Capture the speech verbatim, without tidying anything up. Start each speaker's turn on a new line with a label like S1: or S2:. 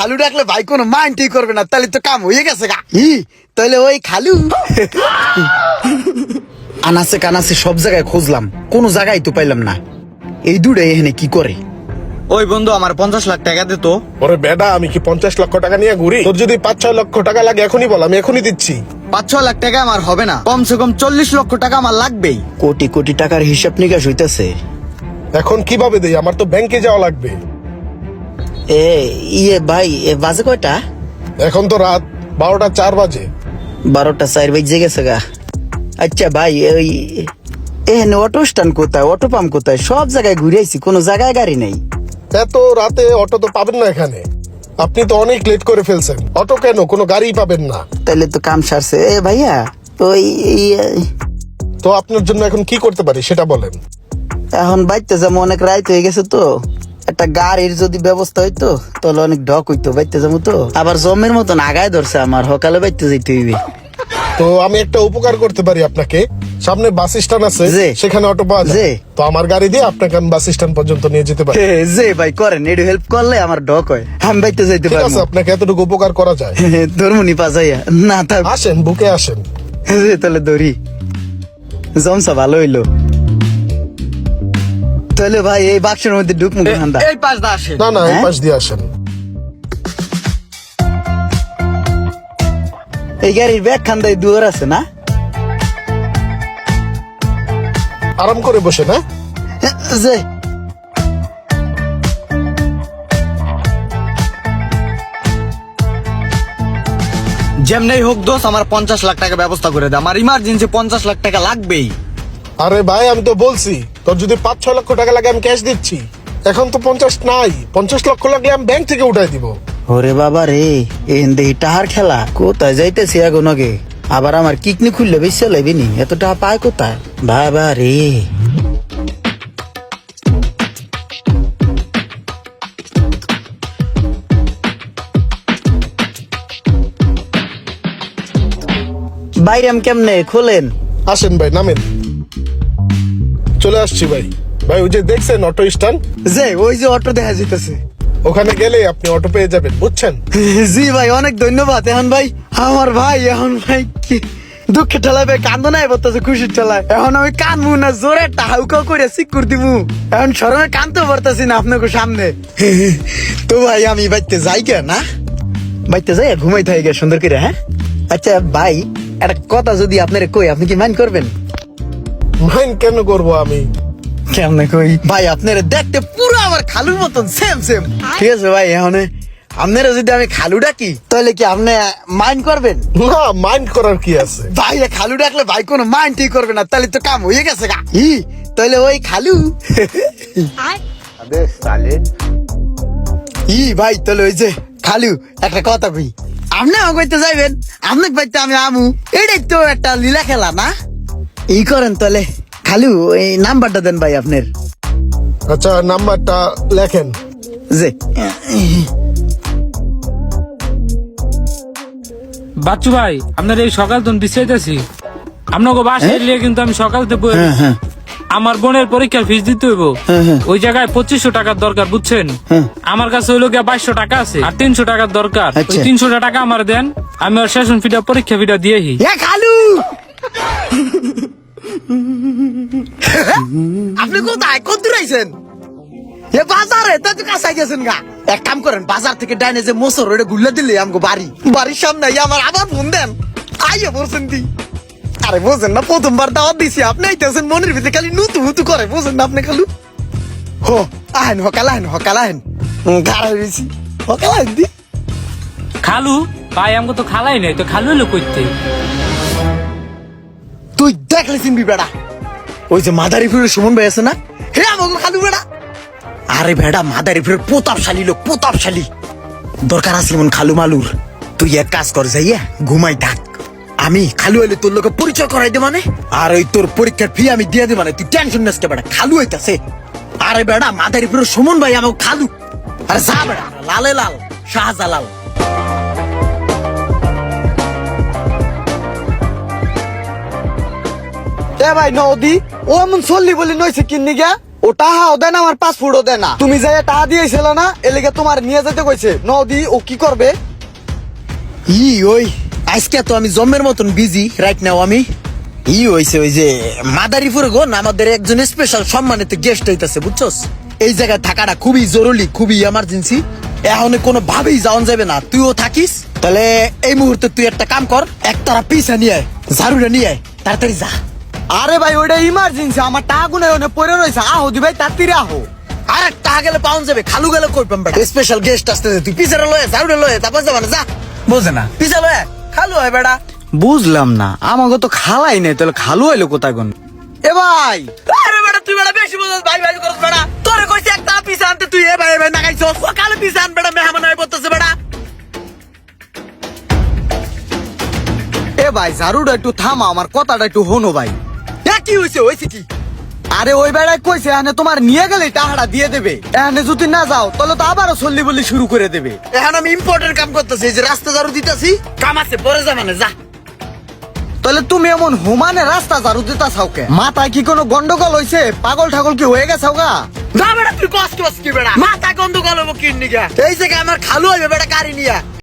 S1: খালু ডাকলে ভাই কোনো মাইন্ডই করবে না, তাহলে তো কাম হয়ে গেছে গা। ই তাহলে ওই খালু আনাসে কানাসে সব জায়গায় খুঁজলাম, কোনো জায়গায় তো পাইলাম না। এই দুটো এখানে কি করে?
S2: ওই বন্ধু আমার পঞ্চাশ লাখ টাকা দে তো।
S3: ওরে বেডা, আমি কি পঞ্চাশ লক্ষ টাকা নিয়ে ঘুরি? তোর যদি পাঁচ ছয় লক্ষ টাকা লাগে এখনই বল, আমি এখনই দিচ্ছি।
S2: পাঁচ ছয় লাখ টাকা আমার হবে না, কমসে কম চল্লিশ লক্ষ টাকা আমার লাগবেই।
S1: কোটি কোটি টাকার হিসাব নিকাশ হইতেছে।
S3: এখন কিভাবে দেই? আমার তো ব্যাংকে যাওয়া লাগবে।
S1: এ ইয়ে ভাই, এ বাজে কয়টা?
S3: এখন তো রাত বারোটা চার বাজে।
S1: বারোটা চার বেজে গেছে গা। আচ্ছা ভাই, ওই এখানে অটো স্ট্যান্ড কোথায়, অটো পাম্প কোথায়? সব জায়গায় ঘুরে আইছি, কোনো জায়গায় গাড়ি নেই।
S3: এত রাতে অটো তো পাবেন না এখানে। আপনি তো অনেক লেট করে ফেলছেন। অটো কেন, কোনো গাড়ি পাবেন না।
S1: তাইলে তো কাম সারছে। এ ভাইয়া, ওই এই-
S3: তো আপনার জন্য এখন কি করতে পারি সেটা বলেন।
S1: এখন বাইতে যাবো, অনেক রাইত হয়ে গেছে তো। একটা গাড়ির যদি ব্যবস্থা হইতো তাহলে অনেক ঢক হইতো। বাইতে যাবো তো, আবার জমের মতন আগায় ধরছে আমার, সকালে বাইতে যাইতে হইবে।
S3: তো আমি একটা উপকার করতে পারি আপনাকে। সামনে বাস স্ট্যান্ড আছে,
S1: জি।
S3: সেখানে অটো পাওয়া
S1: জি।
S3: যায়। তো আমার গাড়ি দিয়ে আপনাকে আমি বাস স্ট্যান্ড পর্যন্ত নিয়ে যেতে পারি।
S1: হে, যে ভাই করেন, একটু হেল্প করলে আমার ঢক হয়, আমি বাইতে যাইতে
S3: ঠিক আছে,
S1: পারবো।
S3: আপনাকে এতটুকু উপকার করা যায়।
S1: ধর্মনি পাজাইয়া না থাক।
S3: আসেন, বুকে আসেন।
S1: যে তাহলে ধরি, জমসা ভালো হইলো। তাহলে ভাই এই বাক্সের মধ্যে ঢুক মুখ ঠান্ডা।
S2: এই পাঁচ দা আসে।
S3: না না, এই
S1: হ্যাঁ?
S3: পাশ দিয়ে আসেন।
S1: এই গাড়ির ব্যাগ খান্দায় দুয়ার আছে না?
S3: আরাম করে বসে না।
S1: যে
S2: যেমনি হোক দোষ, আমার পঞ্চাশ লাখ টাকা ব্যবস্থা করে দে, আমার ইমার্জেন্সি পঞ্চাশ লাখ টাকা লাগবেই।
S3: আরে ভাই, আমি তো বলছি তোর যদি পাঁচ ছয় লক্ষ টাকা লাগে আমি ক্যাশ দিচ্ছি। এখন তো পঞ্চাশ নাই, পঞ্চাশ লক্ষ লাগলে আমি ব্যাংক থেকে উঠাই দিব।
S1: ওরে বাবা রে, এন দেহি টাহার খেলা। কোথায় যাইতেছি এখন আগে, আবার আমার কিকনি খুললে বেশি লাগবে নি, এত টাকা পায় কোথায়? বাবা রে, বাইরে আমি কেমনে খোলেন?
S3: আসেন ভাই, নামেন। চলে আসছি ভাই। ভাই ওই যে দেখছেন অটো স্ট্যান্ড,
S1: যে ওই যে অটো দেখা যাইতেছে।
S3: ওখানে গেলে আপনি অটো পেয়ে যাবেন, বুঝছেন?
S1: জি ভাই, অনেক ধন্যবাদ। এখন ভাই আমার ভাই, এখন ভাই কি দুঃখে ঠেলায় ভাই কান্দো নাই বলতেছে, খুশির ঠেলায়। এখন আমি কানবো না, জোরে টাহাউকা করে সিকুর দিবো। এখন সরমে কানতে পারতাছি না আপনাকে সামনে। তো ভাই আমি বাইতে যাই কে না, বাইতে যাই ঘুমাই থাকি গে সুন্দর করে। হ্যাঁ আচ্ছা ভাই, একটা কথা যদি আপনারে কই, আপনি কি মাইন্ড করবেন?
S3: মাইন্ড কেন করবো আমি?
S1: কেমনে কই ভাই, আপনারা দেখতে পুরো আমার খালুর মতন সেম সেম। ঠিক আছে ভাই, এখন আপনারা যদি আমি খালু ডাকি তাহলে কি আপনি মাইন্ড করবেন?
S3: না, মাইন্ড করার কি আছে?
S1: ভাই খালু ডাকলে ভাই কোনো মাইন্ডই করবে না, তাহলে তো কাম হয়ে গেছে গা। ই তাহলে ওই খালু ই ভাই, তাহলে ওই যে খালু একটা কথা কই, আপনি আমাকে কইতে যাইবেন, আপনি পাইতে আমি আমু, এটাই তো একটা লীলা খেলা না? ই করেন তাহলে খালু, এই নাম্বারটা দেন ভাই আপনার।
S3: আচ্ছা, নাম্বারটা লেখেন।
S1: যে
S4: বাচ্চু ভাই, আপনার এই সকাল তো বিশ্রাইতেছি, আপনাকে বাসায় এলিয়ে কিন্তু আমি সকালতে বই-
S1: হ্যাঁ হ্যাঁ
S4: আমার বোনের পরীক্ষার ফিস দিতে হইব।
S1: হ্যাঁ, হ্যাঁ।
S4: ওই জায়গায় পঁচিশশো টাকার দরকার, বুঝছেন?
S1: হ্যাঁ।
S4: আমার কাছে হইলো গিয়া বাইশশো টাকা আছে, আর তিনশো টাকার দরকার। ওই
S1: আচ্ছা।
S4: তিনশো টাকা আমার দেন, আমি ওর সেশন ফিটা পরীক্ষা ফিটা দিয়েহি।
S1: এ খালু, আপনি কোথায়, কত দূর আইছেন? এ বাজারে তা তো কাছে গেছেন গা। এক কাম করেন, বাজার থেকে ডাইনে যে মোসর ওটা গুল্লা দিলে আমগো বাড়ি, বাড়ির সামনে আইয়া আমার আবার ফোন দেন, আইয়া বলছেন দি। আরে বোঝেন না, প্রথমবার দাওয়াত দিছি, আপনি আইতেছেন মনের ভিতরে খালি নুতু হুতু করে, বোঝেন না আপনি খালু? হো আহেন, হকাল আহেন, হকাল আহেন, গাড়া হয়েছি, হকাল আহেন দি।
S4: খালু ভাই, আমাকে তো খালাই নাই, তো খালু হলো কইতে।
S1: তুই দেখলে চিনবি বেড়া, ওই যে মাদারিপুরের সুমন ভাই আছে না, হে আমাকে খালু বেড়া। আরে বেড়া, মাদারিপুরের প্রতাপশালী লোক, প্রতাপশালী। দরকার আসলে মন খালু মালুর। তুই এক কাজ কর, যাইয়া ঘুমাই থাক, আমি খালু হইলে তোর লোকে পরিচয় করাই দে মানে, আর ওই তোর পরীক্ষার ফি আমি দিয়ে দে মানে, তুই টেনশন নিস কে বেড়া, খালু হইতাছে। আরে বেড়া, মাদারিপুরের সুমন ভাই আমাকে খালু। আরে যা বেড়া, লালে লাল শাহজালাল। এ ভাই নদী, ও এমন চললি বলি নইছে কিন্নি গা,
S2: ও টাহাও দেয় না আমার পাসপোর্টও দেয় না তুমি যাই টাহা দিয়েছিল না এলিগে তোমার নিয়ে যেতে কইছে নদী ও কি করবে
S1: ই ওই আজকে তো আমি জম্মের মতন বিজি রাইট নাও আমি ই হইছে ওই যে মাদারীপুরে গো না আমাদের একজন স্পেশাল সম্মানিত গেস্ট হইতাছে বুঝছস এই জায়গায় থাকাটা খুবই জরুরি খুবই এমার্জেন্সি এখন কোনো ভাবেই যাওয়া যাবে না তুইও থাকিস তাহলে এই মুহূর্তে তুই একটা কাম কর একতারা পিছা নিয়ে আয় ঝাড়ুটা নিয়ে আয় তাড়াতাড়ি যা
S2: আরে ভাই ওইটা ইমার্জেন্সি আমার টাকা গুনে ওনে পড়ে রয়েছে আহো দি ভাই তাড়াতাড়ি আহো
S1: আরে টাকা গেলে পাউন যাবে খালু গেলে কই পাম বেটা স্পেশাল গেস্ট আসতেছে তুই পিছাটা লয়ে ঝাড়ুটা লয়ে তারপর যাবা না যা বোঝে না পিছা লয়ে খালু হয় বেটা
S2: বুঝলাম না আমাকে তো খালাই নাই তাহলে খালু হইলো কোথায় কোন এ ভাই
S1: আরে বেটা তুই বেটা বেশি বুঝছ ভাই ভাই করছ বেটা তোরে কইছি একটা পিছা আনতে তুই এ ভাই ভাই না গাইছস সকালে পিছা আন বেটা মেহমান হয়ে পড়তেছে বেটা
S2: এ ভাই ঝাড়ুটা একটু থামা আমার কথাটা একটু হনো ভাই
S1: এ কি হইছে হইছে কি
S2: আরে ওই বেড়ায় কইছে এখানে তোমার নিয়ে গেলে টাকাটা দিয়ে দেবে এখানে যদি না যাও তাহলে তো আবারও চল্লি বললি শুরু করে দেবে
S1: এখন আমি ইম্পর্টেন্ট কাম করতেছি এই যে রাস্তা ঝাড়ু দিতেছি কাম আছে পরে যা মানে যা
S2: তাহলে তুমি এমন হুমানে রাস্তা ঝাড়ু দিতা চাওকে মাথায় কি কোনো গন্ডগোল হইছে পাগল ঠাগল কি হয়ে গেছে গা
S1: না বেটা তুই কষ্ট কি বেটা মাথা গন্ডগোল হবো কিন্নিকা এই জায়গায় আমার খালু হইবে বেটা গাড়ি নিয়া